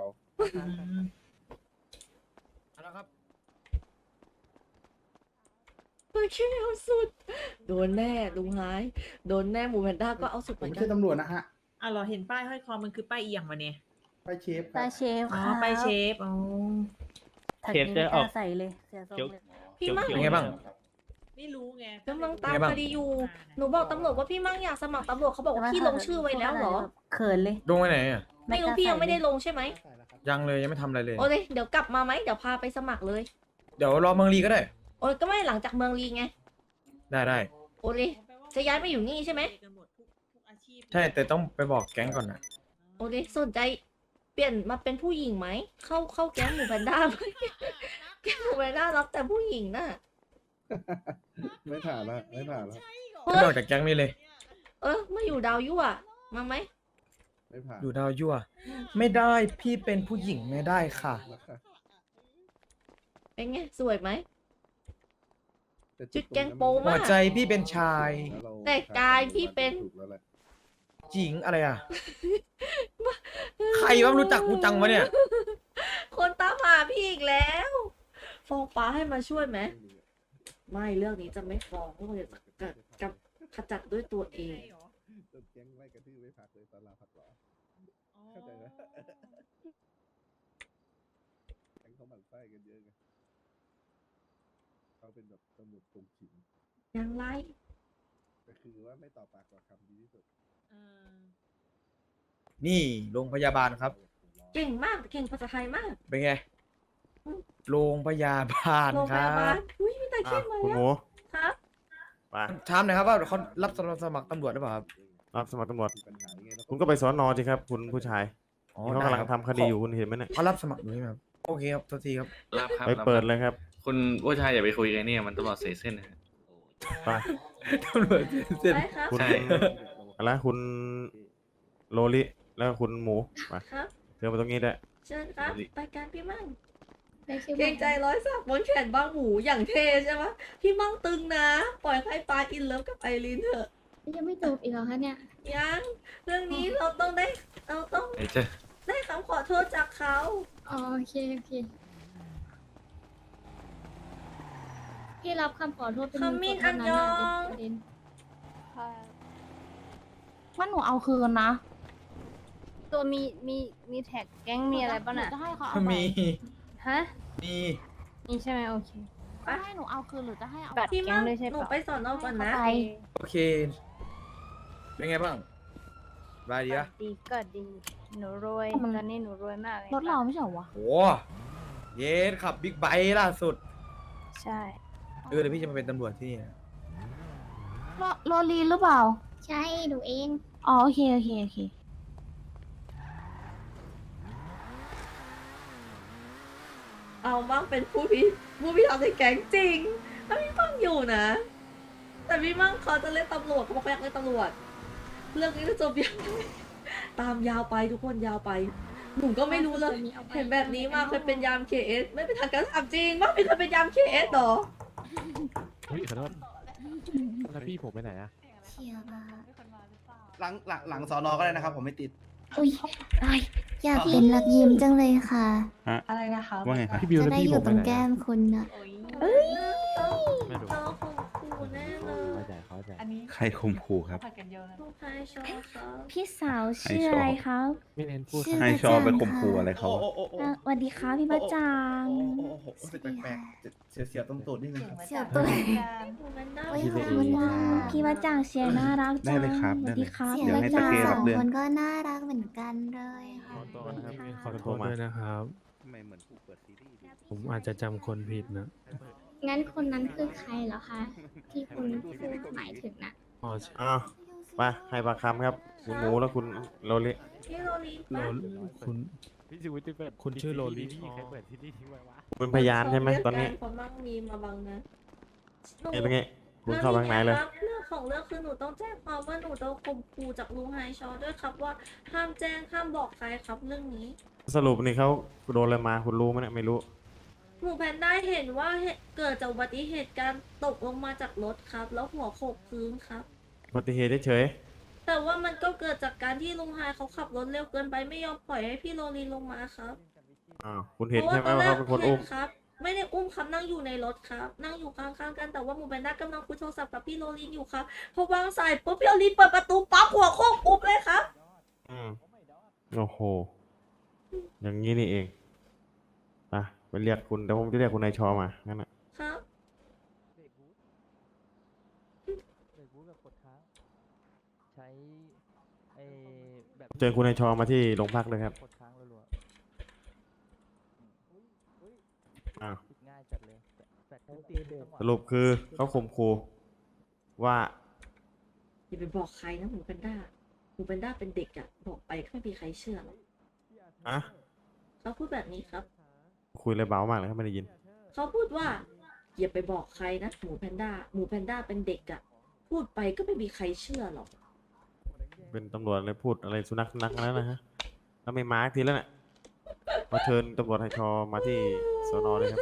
[SPEAKER 1] ตะเข้เอาสุด โดนแน่ลุงหาย โดนแน่หมูแพนด้าก็เอาสุดเหมือนกัน
[SPEAKER 10] อ่ะเราเห็นป้ายห้อยคอมันคือป้ายเอียงวะเนี่ย
[SPEAKER 8] ไปเชฟค
[SPEAKER 6] ตา
[SPEAKER 8] รับ
[SPEAKER 6] เชฟ
[SPEAKER 10] อ๋อ
[SPEAKER 6] ค่ะ
[SPEAKER 10] ป้ายเชฟอ๋อ
[SPEAKER 11] เชฟจะออก
[SPEAKER 6] ใส่เลยเสียทรงเลย
[SPEAKER 1] พี่มั่ง
[SPEAKER 2] เป็นไงบ้าง
[SPEAKER 10] ไม่รู้ไง
[SPEAKER 1] กำลังตาม
[SPEAKER 2] เป็นไงบ้าง
[SPEAKER 1] คดีอยู่ หนูบอกตำรวจว่าพี่มั่งอยากสมัครตำรวจเขาบอกว่าพี่ลงชื่อไว้แล้วเหรอ
[SPEAKER 6] เขินเลย
[SPEAKER 2] ลงไปไหนอ่ะ
[SPEAKER 1] ไม่รู้พี่ยังไม่ได้ลงใช่ไหม
[SPEAKER 2] ยังเลยยังไม่ทำอะไรเลย
[SPEAKER 1] โอเคเดี๋ยวกลับมาไหมเดี๋ยวพาไปสมัครเลย
[SPEAKER 2] เดี๋ยวรอเมืองลีก็ได้
[SPEAKER 1] โอ้ยก็ไม่หลังจากเมืองลีไง
[SPEAKER 2] ได้ได้
[SPEAKER 1] โอเคจะย้ายไปอยู่นี่ใช่ไหม
[SPEAKER 2] ใช่แต่ต้องไปบอกแก๊งก่อนนะ
[SPEAKER 1] โอเคสนใจเปลี่ยนมาเป็นผู้หญิงไหม เข้าเข้าแก๊งหมูแพนด้าไหมแก๊งหมูแพนด้ารับแต่ผู้หญิงน่ะ
[SPEAKER 8] ไม่ผ่านละไม่ผ่านละ
[SPEAKER 2] ไม่ออกจากแก๊งนี้เลย
[SPEAKER 1] เออมาอยู่ดาวยั่วมาไหม
[SPEAKER 8] ไม่ผ่าน
[SPEAKER 2] อยู่ดาวยั่ว ไม่ได้พี่เป็นผู้หญิงไม่ได้ค่ะ
[SPEAKER 1] เป็นไงสวยไหม
[SPEAKER 8] ต่
[SPEAKER 1] จุดแกงโป้
[SPEAKER 2] หั
[SPEAKER 1] มาว ก
[SPEAKER 2] ใจพี่เป็นชาย
[SPEAKER 8] ล้วเรา
[SPEAKER 1] แต่กายพี่เป็น
[SPEAKER 8] ถูกแล้วแหละ
[SPEAKER 2] หญิงอะไรอ่ะ ใครวะรู้จักกูจังวะเนี่ย
[SPEAKER 1] คนตามหาพี่อีกแล้วฟ้องป้าให้มาช่วยไหมไม่เรื่องนี้จะไม่ฟ้องเพราะว่าจะกับกับขจัดด้วยตัวเอง
[SPEAKER 8] โดนแก๊งไล่กระทืบไม่พักเลยตอนลาพักร้อนเข้าใจไหมแก๊งเขาหมั่นไส้กันเยอะไงเขาเป็นแบบตำรวจตรงฉิน
[SPEAKER 1] ยังไง
[SPEAKER 8] ก็คือว่าไม่ต่อปากต่อคำดีที่สุด
[SPEAKER 2] นี่โรงพยาบาลครับ
[SPEAKER 1] เก่งมากเก่งภาษาไทยมาก
[SPEAKER 2] เป็นไง โรงพยาบาล
[SPEAKER 1] โรง
[SPEAKER 2] ค
[SPEAKER 1] พ
[SPEAKER 2] รั
[SPEAKER 1] ยาบาล
[SPEAKER 2] บ
[SPEAKER 1] อุ้ยมีแต่
[SPEAKER 3] อ่ะ
[SPEAKER 1] เข้มมา
[SPEAKER 3] คุณ
[SPEAKER 1] แล้
[SPEAKER 3] ห
[SPEAKER 1] ว
[SPEAKER 3] มู
[SPEAKER 1] ครับ
[SPEAKER 3] ไป
[SPEAKER 2] ถามหน่อยครับว่าเขารับสมัครตำรวจหรือเปล่าครับ
[SPEAKER 3] รับสมัครตำรวจ
[SPEAKER 8] มีปัญหายังไงเรา
[SPEAKER 3] คุณก็ไปสอนอสิครับ คุณผู้ชาย
[SPEAKER 2] อ๋อ
[SPEAKER 3] นี่เขากำลังทำคดีอยู่คุณเห็นไหมเนี่ย
[SPEAKER 2] เขารับสมัครอยู่ใช่ไหมครับ โอเคครับโทษทีครับ
[SPEAKER 4] รับครับ
[SPEAKER 3] ไป
[SPEAKER 4] รับ
[SPEAKER 3] เปิด
[SPEAKER 4] ครับ
[SPEAKER 3] เลยครับ
[SPEAKER 4] คุณผู้ชายอย่าไปคุยกันเนี่ยมันตำรวจเสียเส้นนะฮะ
[SPEAKER 3] ไป
[SPEAKER 2] ตำรวจเสร็จ
[SPEAKER 1] ได้ครับ
[SPEAKER 3] คุณ
[SPEAKER 4] ใช่
[SPEAKER 3] อะไรคุณโลลิแล้วก็คุณหมูไป
[SPEAKER 1] ครับ
[SPEAKER 3] เชิญมาตรงนี้ได้
[SPEAKER 1] เชิญครับไปการพี่มั่ง
[SPEAKER 6] ไปเชียง
[SPEAKER 1] เกรงใจร้อยสักบนแขนบ้างหมูอย่างเท่ใช่ไหมพี่มั่งตึงนะ ปล่อยให้ปลาอินเลิฟกับไอรินเถอะ
[SPEAKER 6] ยังไม่จบอีกเหรอคะเนี่ย
[SPEAKER 1] ยัง เรื่องนี้เราต้องได้ เราต้อง
[SPEAKER 4] ไอ้เจ้า
[SPEAKER 1] ได้คำขอโทษจากเขา
[SPEAKER 6] อ๋อโอเคโอเคพี่รับคำขอโทษเป็น
[SPEAKER 1] ขมิ้นอันยอง
[SPEAKER 6] ประเด็น
[SPEAKER 12] ว่าหนูเอาคืนนะ
[SPEAKER 6] ตัวมีมีมีแท็กแก๊งมีอะไรบ้าง
[SPEAKER 12] หนู
[SPEAKER 6] น่ะ
[SPEAKER 12] จะให้เขาเอาไป
[SPEAKER 2] มี
[SPEAKER 6] ฮะ
[SPEAKER 2] มี
[SPEAKER 6] มีใช่ไหมโอเค
[SPEAKER 12] จะให้หนูเอาคืนหรือจะให้เอา
[SPEAKER 6] บัตร
[SPEAKER 1] พี่
[SPEAKER 6] แก๊
[SPEAKER 1] มั่
[SPEAKER 6] ง
[SPEAKER 1] ง
[SPEAKER 6] ด้วยใช่
[SPEAKER 1] หนู
[SPEAKER 6] ปะ
[SPEAKER 1] ไปสอนอก่อนนะ
[SPEAKER 12] ไป
[SPEAKER 2] โอเค เป็นไงบ้างสบายดีอะ
[SPEAKER 6] ดีก็ดีหนูรวยตอนนี้หนูรวยมากเลย
[SPEAKER 12] รถเราไม่ใช่เหรอวะ
[SPEAKER 2] โหเยสขับบิ๊กไบค์ล่าสุด
[SPEAKER 6] ใช่
[SPEAKER 2] เออเดี๋ยวพี่จะมาเป็นตำรวจที่นี่นะ
[SPEAKER 12] โรโรลีหรือเปล่า
[SPEAKER 6] ใช่หนูเอง
[SPEAKER 12] อ๋อโอเคโอเคโอเค
[SPEAKER 6] พ
[SPEAKER 1] เอามั่งเป็นผู้พิผู้พิทักษ์ในแก๊งจริงถ้าพี่มั่งอยู่นะ แต่พี่มั่งเขาจะเล่นตำรวจเขาบอกเขาอยากเล่นตำรวจเรื่องนี้จะจบยังไงตามยาวไปทุกคนยาวไปหนูก็ไม่รู้เลยเห็นแบบนี้มาเคยเป็นยามเคเอสไม่เป็นทางการถามจริงว่าไม่เคยเป็นยามเคเอสหรอ
[SPEAKER 11] เฮ้ยขอโทษแล้วพี่ผมไปไหนอะ
[SPEAKER 6] เชียร์มา
[SPEAKER 2] หลังหลังหลังสอนอก็ได้นะครับ ผมไม่ติด
[SPEAKER 6] อุ้ยไอยอยากเป็นรักยิ้มจังเลยค่ะ
[SPEAKER 10] อะไรนะคะ
[SPEAKER 7] ว่าไงครับ
[SPEAKER 11] พี่บิว
[SPEAKER 6] จะ
[SPEAKER 11] แล้ว
[SPEAKER 6] ได้
[SPEAKER 11] พี่
[SPEAKER 6] อ
[SPEAKER 11] ผ
[SPEAKER 6] ยู่
[SPEAKER 11] ม
[SPEAKER 6] ต
[SPEAKER 11] ไป
[SPEAKER 6] รง
[SPEAKER 11] ไหน
[SPEAKER 6] แก้
[SPEAKER 11] อะ
[SPEAKER 6] มคุณนะ
[SPEAKER 1] เอ้ย
[SPEAKER 11] ไม่รู้
[SPEAKER 1] เราคงคูแน่เลย
[SPEAKER 11] เข้าใจเข้าใจ
[SPEAKER 10] อันนี้
[SPEAKER 7] ใครข่มขู่ครับ
[SPEAKER 10] ผัดกันเยอะนะ
[SPEAKER 1] ลูกชายชอบครับ
[SPEAKER 12] พี่สาวชื่ออะไรครับ
[SPEAKER 11] ไม่เน้นพูด
[SPEAKER 6] ชื่อ
[SPEAKER 7] ให้
[SPEAKER 6] ประ
[SPEAKER 7] ชอบไป
[SPEAKER 6] จัง
[SPEAKER 7] ข่มขู่
[SPEAKER 6] ค่ะ
[SPEAKER 7] อะไรเขา
[SPEAKER 2] โอ้
[SPEAKER 7] อะ
[SPEAKER 2] โอ้โอ้โอ้
[SPEAKER 12] อ่ะสวัสดีครับพี่ประจัง
[SPEAKER 2] โอ้โอ้โอ้โอ้รู้สึกแปลกๆเสียวเสียวๆตรงตูดนิดนึงครับ
[SPEAKER 6] เสียวตัว
[SPEAKER 1] หนูเป็นได้
[SPEAKER 6] โอ้ย
[SPEAKER 11] พี่
[SPEAKER 6] ข
[SPEAKER 11] เล
[SPEAKER 6] อบ
[SPEAKER 11] เอ
[SPEAKER 6] คุณ
[SPEAKER 11] ง
[SPEAKER 6] ค่ะ
[SPEAKER 12] พี่ประจังเสียงน่ารักจัง
[SPEAKER 7] ได้เลยครับ
[SPEAKER 12] สวัสดีครับ
[SPEAKER 6] เสียง
[SPEAKER 7] เดี๋ยว
[SPEAKER 6] ป
[SPEAKER 7] ให้
[SPEAKER 6] ระ
[SPEAKER 7] ตะ
[SPEAKER 6] จัง
[SPEAKER 7] เกียบ
[SPEAKER 6] ส
[SPEAKER 7] รั
[SPEAKER 6] อบ ง
[SPEAKER 7] เรื่อง
[SPEAKER 6] คนก็น่ารักเหมือนกันเลยค่ะ
[SPEAKER 11] ขอตัวนะครับพี่ขอ
[SPEAKER 3] โท
[SPEAKER 11] โท
[SPEAKER 3] ร
[SPEAKER 11] ษ
[SPEAKER 3] มา
[SPEAKER 11] ด้วยนะครับ
[SPEAKER 7] ทำไมเหมือนผู้เปิดซีรีส์ดู
[SPEAKER 11] ผมอาจจะจำคนผิดนะ
[SPEAKER 6] งั้นคนนั้นคือใครเหรอคะ ที่คุณพูดหมายถึงนะ
[SPEAKER 11] อ๋อ
[SPEAKER 3] อ้าวไปให้ปากคำครับ คุณหมูและคุณโรลิ
[SPEAKER 1] พี่โรลี
[SPEAKER 11] โล
[SPEAKER 1] ปะ
[SPEAKER 11] คุณพี่ชีวิตที่เปิดคุณชื่อโรลี่ใครเปิดที่นี่ทิ้งไว้วะ
[SPEAKER 3] เป็นพยานใช่ไหมตอนนี้
[SPEAKER 1] เขามั่งมีมาบังนะหนู
[SPEAKER 3] เอ้ยเป็นไงคุณเข้าไปข้างในเลย
[SPEAKER 1] ครับเรื่องของเรื่องคือหนูต้องแจ้งความว่าหนูโดนข่มขู่จากลุงไฮชอด้วยครับว่าห้ามแจ้งห้ามบอกใครครับเรื่องนี้
[SPEAKER 3] สรุปนี่เขาโดนอะไรมาคุณรู้ไหมเนี่ยไม่รู้
[SPEAKER 1] หมูแพนด้าเห็นว่าเหตุเกิดจากอุบัติเหตุการตกลงมาจากรถครับ แล้วหัวโขกพื้นครับ
[SPEAKER 3] อุบัติเหตุเฉย
[SPEAKER 1] แต่ว่ามันก็เกิดจากการที่ลุงไฮเขาขับรถเร็วเกินไปไม่ยอมปล่อยให้พี่โรลีลงมาครับ
[SPEAKER 3] ๆอ้าวคุณเห็นใช่ไหมว่าเขาเป็นคน
[SPEAKER 1] เห็
[SPEAKER 3] อุ้
[SPEAKER 1] น
[SPEAKER 3] ม
[SPEAKER 1] ครับ ไม่ได้อุ้มครับนั่งอยู่ในรถครับ นั่งอยู่ข้างๆกันแต่ว่าหมูแพนด้ากำลังคุยโทรศัพท์กับพี่โรลีอยู่ครับพอวางสายปุ๊บพี่โรลีเปิดประตูปั๊บหัวโขกปุ๊บเลยครับ
[SPEAKER 3] อืมโอ้โห อย่างนี้นี่เองไปไปเรียกคุณเดี๋ยวผมจะเรียกคุณนายชอมางั้นน่ะ
[SPEAKER 1] ครับ
[SPEAKER 11] ใช้ไอ้แบบ
[SPEAKER 3] เจอคุณนายชอมาที่โรงพักเลยครับ
[SPEAKER 11] กดค้างรัว
[SPEAKER 3] อ้าว
[SPEAKER 11] ๆง่ายจัดเลยแต่แต่ตีเด็ก
[SPEAKER 3] สรุปคือเขาข่มขู่ว่า
[SPEAKER 1] อย่าไปบอกใครนะหมูแพนด้าหมูแพนด้าเป็นเด็กอะบอกไปก็ไม่มีใครเชื่อหรอก
[SPEAKER 3] อะ
[SPEAKER 1] เขาพูดแบบนี้ครับ
[SPEAKER 3] คุยเลยเบามากเลยครับไม่ได้ยิน
[SPEAKER 1] เขาพูดว่าอย่าไปบอกใครนะหมูแพนด้าหมูแพนด้าเป็นเด็กอะพูดไปก็ไม่มีใครเชื่อหรอก
[SPEAKER 3] เป็นตำรวจเลยพูดอะไรสุนัขสุนัขแล้วนะฮะแล้วไม่มาสักทีแล้วน่ะมาเชิญตำรวจไทยชอมาที่สนเลยครับ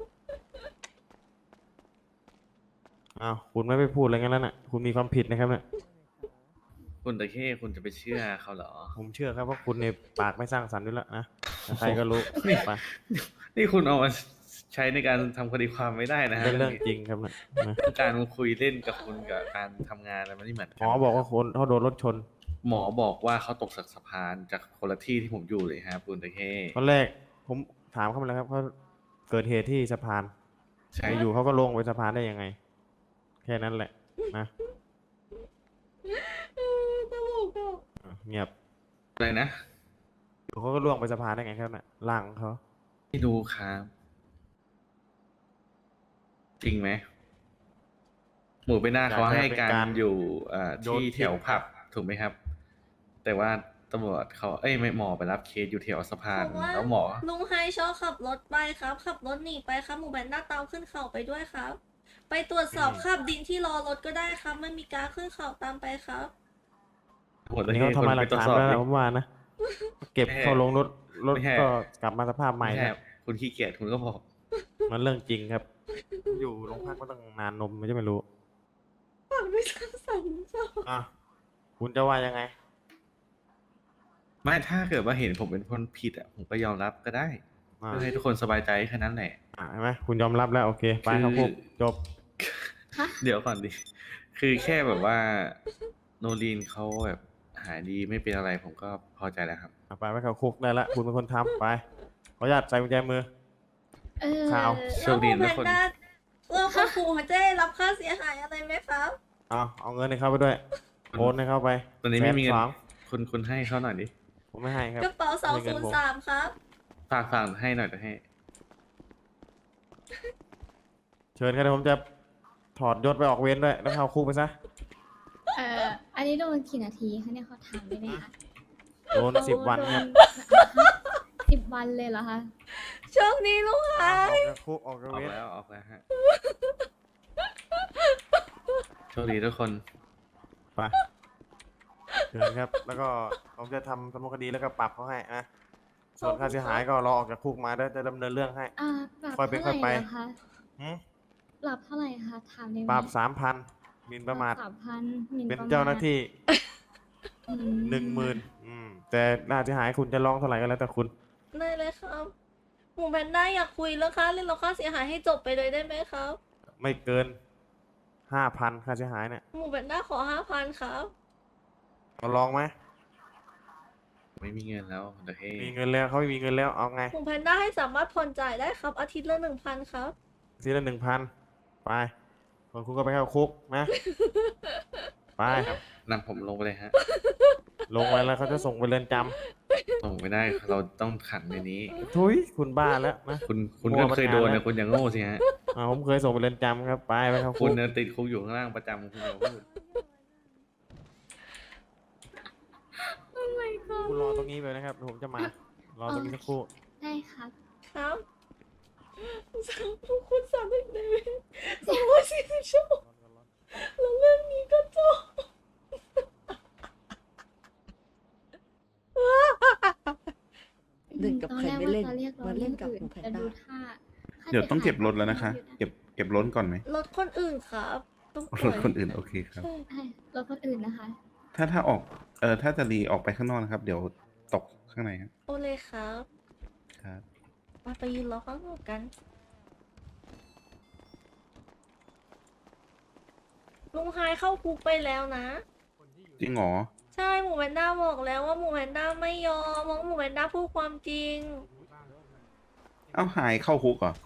[SPEAKER 3] อ้าวคุณไม่ไปพูดอะไรกันแล้วน่ะคุณมีความผิดนะครับเนี่ย
[SPEAKER 4] คุณตะเข้คุณจะไปเชื่อเขาเหรอ
[SPEAKER 3] ผมเชื่อครับว่าคุณในปากไม่สร้างสรรค์ด้วยแล้วนะใครก็รู้
[SPEAKER 4] นี่
[SPEAKER 3] ไป
[SPEAKER 4] นี่คุณเอามาใช้ในการทำคดีความไม่ได้นะฮะ
[SPEAKER 3] เป็นเรื่องจริงครับเนี่ยนะ
[SPEAKER 4] การมาคุยเล่นกับคุณกับการทำงานอะไรมันไม่เหมือน
[SPEAKER 3] หมอบอกว่าคนเขาโดนรถชน
[SPEAKER 4] หมอบอกว่าเขาตกจากสะพานจากคนละที่ที่ผมอยู่เลยครับคุณตะเข้
[SPEAKER 3] ตอนแรกผมถามเขามาแล้วครับเขาเกิดเหตุที่สะพาน
[SPEAKER 4] ใช่
[SPEAKER 3] อยู่ๆเขาก็ลงไปสะพานได้ยังไง แค่นั้นแหละนะ
[SPEAKER 1] ตลกอ่ะ
[SPEAKER 3] อ่ะเงียบ
[SPEAKER 4] อะไรนะ
[SPEAKER 3] อยู่เขาก็ล่วงไปสะพานได้ไงครับน่ะล่างของเขา
[SPEAKER 4] ไม่รู้ครับจริงไหมหมูไปหน้าเขาให้การอยู่อ่าที่แถวผับถูกไหมครับ แต่ว่าตำรวจเขาเอ้ยไม่หมอไปรับเคสอยู่แถวสะพาน
[SPEAKER 1] บอกว่า
[SPEAKER 4] แล้วหมอ
[SPEAKER 1] ลุงไฮชอบขับรถไปครับ ขับรถหนีไปครับหมูแพนด้าตามขึ้นเขาไปด้วยครับ ไปตรวจสอบคราบดินที่รอรถก็ได้ครับไม่มีการขึ้นเขาตามไปครับ
[SPEAKER 4] หมด
[SPEAKER 3] อัน
[SPEAKER 4] เลย
[SPEAKER 3] นี้เขาทำลายหลัก
[SPEAKER 4] ตรวจ
[SPEAKER 3] ฐาน
[SPEAKER 4] สอบ
[SPEAKER 3] แล้ว
[SPEAKER 4] ดิ
[SPEAKER 3] นะผมว่านะ เก็บเข้าลงรถรถ
[SPEAKER 4] ไม่ใช่
[SPEAKER 3] ก็กลับมาสภาพใหม่
[SPEAKER 4] ไม่ใช่
[SPEAKER 3] แล้ว
[SPEAKER 4] คุณขี้เกียจคุณก็บอก
[SPEAKER 3] มันเรื่องจริงครับ อยู่โรงพักมาตั้งนานนมไม่ใช่ไม่รู้
[SPEAKER 1] ปากไม่สร้างสรรค์จ้ะ
[SPEAKER 3] อ่ะคุณจะว่ายังไง
[SPEAKER 4] ไม่ถ้าเกิดว่าเห็นผมเป็นคนผิดอ่ะผมก็ยอมรับก็ได้
[SPEAKER 3] อ่า
[SPEAKER 4] เพื่อให้ทุกคนสบายใจแค่นั้นแหละ
[SPEAKER 3] อ่ะเห็นไหมคุณยอมรับแล้วโอเคไป
[SPEAKER 4] คือ
[SPEAKER 3] เข้าคุกจบ
[SPEAKER 4] เดี๋ยวก่อนดิ คือแค่แบบว่าโนลีนเขาแบบหายดีไม่เป็นอะไรผมก็พอใจแล้วครับ
[SPEAKER 3] อ่ะไปไปเข้าคุกได้ละคุณเป็นคนทำไปขออนุญาตใส่กุญแจมือ
[SPEAKER 6] เออ
[SPEAKER 3] ข่าว
[SPEAKER 4] โชคดี
[SPEAKER 1] แล้วหมู
[SPEAKER 4] ทุกคน
[SPEAKER 1] แพนด้าเรื่องข่มขู่เขาจะได้รับค่าเสียหายอะไรไหมครับ
[SPEAKER 3] เอาเอาเงินให้เขาไปด้วยโอนให้เขาไป
[SPEAKER 4] ตอนนี้ไม่มีเงิน
[SPEAKER 3] แสสอง
[SPEAKER 4] คุณคุณให้เขาหน่อยดิ
[SPEAKER 3] ผมไม่ให้ครับ
[SPEAKER 1] กระเป๋าสอง
[SPEAKER 3] ไม่เงิ
[SPEAKER 1] ศู
[SPEAKER 3] น
[SPEAKER 1] นย์
[SPEAKER 3] ผม
[SPEAKER 1] สามครับ
[SPEAKER 4] ฝากฝากให้หน่อยจะให้
[SPEAKER 3] เชิญครับเดี๋ยวผมจะถอดยศไปออกเวรด้วยแล้วเข้าคุกไปซะ
[SPEAKER 6] เอออันนี้โดนกี่นาทีคะเนี่ยเขาถามได้ไหมคะ
[SPEAKER 3] โดนสิบวันครับ
[SPEAKER 6] สิบวันเลยเหรอคะ
[SPEAKER 1] โชคดีลุงไฮ
[SPEAKER 3] ออกจากคุกออกจาก
[SPEAKER 4] ออก
[SPEAKER 3] เวร
[SPEAKER 4] แล้วออกแล้วฮะ โชคดีทุกคน
[SPEAKER 3] ไปเชิญครับ แล้วก็ผมจะทำสำนวนคดีแล้วก็ปรับเขาให้นะส่วนค่าเสียหายก็รอออกจากคุกมาแล้วจะดำเนินเรื่องให้
[SPEAKER 6] อ่าปรับ
[SPEAKER 3] ค่อยเป็น
[SPEAKER 6] เท่าไห
[SPEAKER 3] ค่
[SPEAKER 6] ร่
[SPEAKER 3] อยไป
[SPEAKER 6] เหรอคะ
[SPEAKER 3] หืม
[SPEAKER 6] ปรับเท่าไหร่คะถามได้ไหม
[SPEAKER 3] ปรับสามพันหมิ่นประมาท
[SPEAKER 6] สามพันหมิ่น
[SPEAKER 3] เป็น
[SPEAKER 6] ประมท
[SPEAKER 3] เจ้าหน้าที่
[SPEAKER 6] อืม
[SPEAKER 3] หนึ่งหมื่นอืมแต่ค่าเสียหายคุณจะร้องเท่าไหร่ก็แล้วแต่คุณ
[SPEAKER 1] ได้เลยครับหมูแพนด้าอยากคุยเรื่องค่าเรื่องค่าเสียหายให้จบไปเลยได้ไหมครับ
[SPEAKER 3] ไม่เกินห้าพันค่าเสียหายเนี่ย
[SPEAKER 1] หมูแพนด้าขอห้าพันครับ
[SPEAKER 3] เราลองไหม
[SPEAKER 4] ไม่มีเงินแล้วเดี๋ยวให้
[SPEAKER 3] มีเงินแล้วเขาไม่มีเงินแล้วเอาไง
[SPEAKER 1] หมูแพนด้าให้สามารถผ่อนจ่ายได้ครับ อาทิตย์ละหนึ่งพันครับ
[SPEAKER 3] ทีละหนึ่งพันไปส่วนคุณก็ไปเข้าคุกนะ ไป
[SPEAKER 4] นำผมลงไปเลยฮะ
[SPEAKER 3] ลงไปแล้วเขาจะส่งไปเรือนจ
[SPEAKER 4] ส่งไม่ได้เราต้องขังในนี้
[SPEAKER 3] ำทุยคุณบ้าแล้วนะ
[SPEAKER 4] คุณคุณ
[SPEAKER 3] มั่
[SPEAKER 4] ก็
[SPEAKER 3] วมานาน
[SPEAKER 4] เคยโดน
[SPEAKER 3] แล้
[SPEAKER 4] นะ
[SPEAKER 3] ว
[SPEAKER 4] คุณอย่างโง่สิฮะ
[SPEAKER 3] อ่าผมเคยส่งไปเรือนจำครับไปไปเข้า
[SPEAKER 4] คุ
[SPEAKER 3] คุ
[SPEAKER 4] ณ
[SPEAKER 3] ก
[SPEAKER 4] เนี่ยติดคุกอยู่ข้างล่างประจำคุณอย่าพูด
[SPEAKER 6] Oh my god
[SPEAKER 3] คุณรอตรงนี้ไปนะครับเดี๋ยวผมจะมา รอตรงนี้สักครู่
[SPEAKER 6] ได้ครับ
[SPEAKER 1] ครับทุกคนสามสิบเดวิดสองร้อยสี่สิบชั่วโมงแล้วเรื่องนี้ก็จบ
[SPEAKER 6] เล่นกับใครไม่เล่นมาเล่นกับหมูแพนด้าดูท่าค่า
[SPEAKER 7] เดี๋ยวต้องเก็บรถ
[SPEAKER 6] สียหาย
[SPEAKER 7] แล้วนะคะ เก็บเก็บรถก่อนไหม
[SPEAKER 1] รถคนอื่นครับ ต้องป
[SPEAKER 7] ร
[SPEAKER 1] ล่อ
[SPEAKER 7] ถ
[SPEAKER 1] ย
[SPEAKER 7] คนอื่นโอเคครับ
[SPEAKER 1] ใช่
[SPEAKER 6] ใช่รถคนอื่นนะคะ
[SPEAKER 7] ถ้าถ้าออก เออถ้าจะรีออกไปข้างนอกนะครับ เดี๋ยวตกข้างในครับ
[SPEAKER 1] โอเลยครับ
[SPEAKER 7] ครับ
[SPEAKER 1] มาไปยืนรอข้างนอกกัน ลุงไฮเข้าคุกไปแล้วนะ
[SPEAKER 7] จริงเหรอ
[SPEAKER 1] ใช่หมูแพนด้าบอกแล้วว่าหมูแพนด้าไม่ยอมเพราะหมูแพนด้าพูดความจริง
[SPEAKER 7] เอ้าหายเข้าคุกเหรอ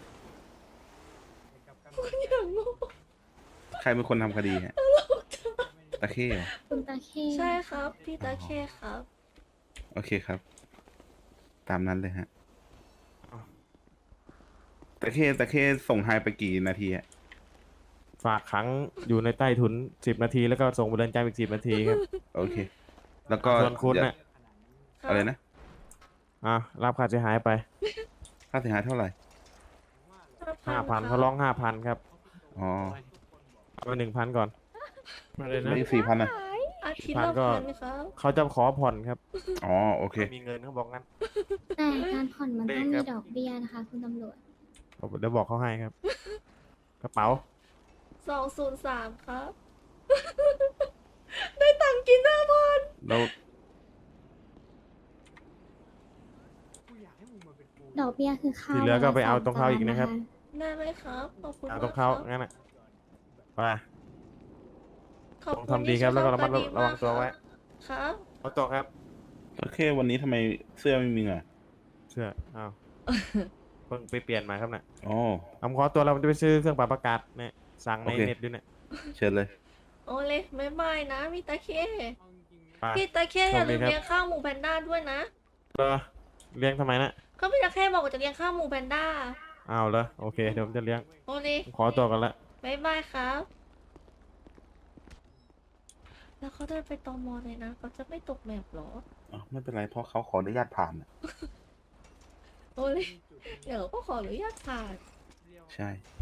[SPEAKER 1] คุณอย่างโง่
[SPEAKER 7] ใครเป็นคนทำคดีฮะตะเข้เหรอ
[SPEAKER 6] คุณตาเค
[SPEAKER 1] ใช่ครับ พี่ตาเคครับ
[SPEAKER 7] โอเคครับ ตามนั้นเลยฮะตะเข้ตะเข้ส่งหายไปกี่นาทีฮะ
[SPEAKER 3] ฝากขังอยู่ในใต้ถุนสิบนาทีแล้วก็ส่งไปเรือนจำอีกสิบนาทีครับ
[SPEAKER 7] โอเค แล้วก็
[SPEAKER 3] ส่วนคุณน่ะ
[SPEAKER 7] อะไรนะ
[SPEAKER 3] อ่ะรับค่าเสียหายไป
[SPEAKER 7] ค่าเสียหายเท่าไหร่
[SPEAKER 3] ห้าพันเขาร้องห้าพันครับ
[SPEAKER 7] อ๋อ
[SPEAKER 3] เอาไปหนึ่งพันก่อน
[SPEAKER 11] มาเลยนะ
[SPEAKER 7] ไม่สี่พันอ่ะ
[SPEAKER 1] อาทิตย์
[SPEAKER 3] พัน
[SPEAKER 1] ละ
[SPEAKER 3] ก็
[SPEAKER 1] พันครับ
[SPEAKER 3] เขาจะขอผ่อนครับ
[SPEAKER 7] อ๋อโอเค
[SPEAKER 3] ไม่มีเงินเขาบอกงั้น
[SPEAKER 6] แต่การผ่อนมันต้อง
[SPEAKER 3] เล
[SPEAKER 6] มี
[SPEAKER 3] ขครับ
[SPEAKER 6] ดอกเบี้ยนะคะ คุณตำรวจ
[SPEAKER 3] เดี๋ยวบอกเขาให้ครับ กระเป๋า
[SPEAKER 1] สองศูนย์สามครับ ได้ตังค์กินหน้าพัน
[SPEAKER 7] แล้ว
[SPEAKER 6] ดอกเบี้ยคือข้าว
[SPEAKER 3] ที่เหลือก็ไปเอา
[SPEAKER 6] วันละ
[SPEAKER 3] ตรงเขาอีก
[SPEAKER 6] สม
[SPEAKER 3] นะครับ
[SPEAKER 6] จา
[SPEAKER 1] ได้ไหมครับขอบคุณ
[SPEAKER 3] เอา
[SPEAKER 1] มาก
[SPEAKER 3] ตรงเขา
[SPEAKER 1] ครับ
[SPEAKER 3] งั้นน่ะไป
[SPEAKER 1] ขอบ
[SPEAKER 3] ต้อง
[SPEAKER 1] คุณ
[SPEAKER 3] ทำดีครับ
[SPEAKER 1] ที่
[SPEAKER 3] แล้วก็ระมัด
[SPEAKER 1] ช่ย
[SPEAKER 3] ระวังตัวไว้
[SPEAKER 1] ครับ
[SPEAKER 3] เอาตัวครับ
[SPEAKER 7] โอเค วันนี้ทำไมเสื้อไม่มีเหงื่อ
[SPEAKER 3] เชื่ออ้าวเพิ่งไปเปลี่ยนมาครับเนี่ย
[SPEAKER 7] อ๋อ
[SPEAKER 3] ผมขอตัวเราจะไปซื้อเครื่องปรับอากาศเนี่ยสั่งใน
[SPEAKER 7] โอเค
[SPEAKER 3] เน็ตด้วยเนี่ย
[SPEAKER 7] เชิญเลย
[SPEAKER 1] โอเลยไม่บายนะพี่ตาเค
[SPEAKER 3] ไป
[SPEAKER 1] พี่ตาเคอย่าลืม
[SPEAKER 3] โชคดีครับ
[SPEAKER 1] เลี้ยงข้าวหมูแพนด้าด้วยนะ
[SPEAKER 3] เออเลี้ยงทำไมนะ
[SPEAKER 1] ก็พี่ตาเคบอกว่าจะเลี้ยงข้าวหมูแพนด้า
[SPEAKER 3] อ้าวเหรอโอเคเดี๋ยวผมจะเลี้ยง
[SPEAKER 1] โอเลย
[SPEAKER 3] ผมขอตัวกันละ
[SPEAKER 1] บายบายครับ แล้วเขาเดินไปตอมอเลยนะเขาจะไม่ตกแมปหรอ
[SPEAKER 7] อ๋อ ไม่เป็นไร เพราะเขาขออนุญาตผ่านน่ะ
[SPEAKER 1] โอเลยเดี๋ยวก็ขออนุญาตผ่าน
[SPEAKER 7] ใช่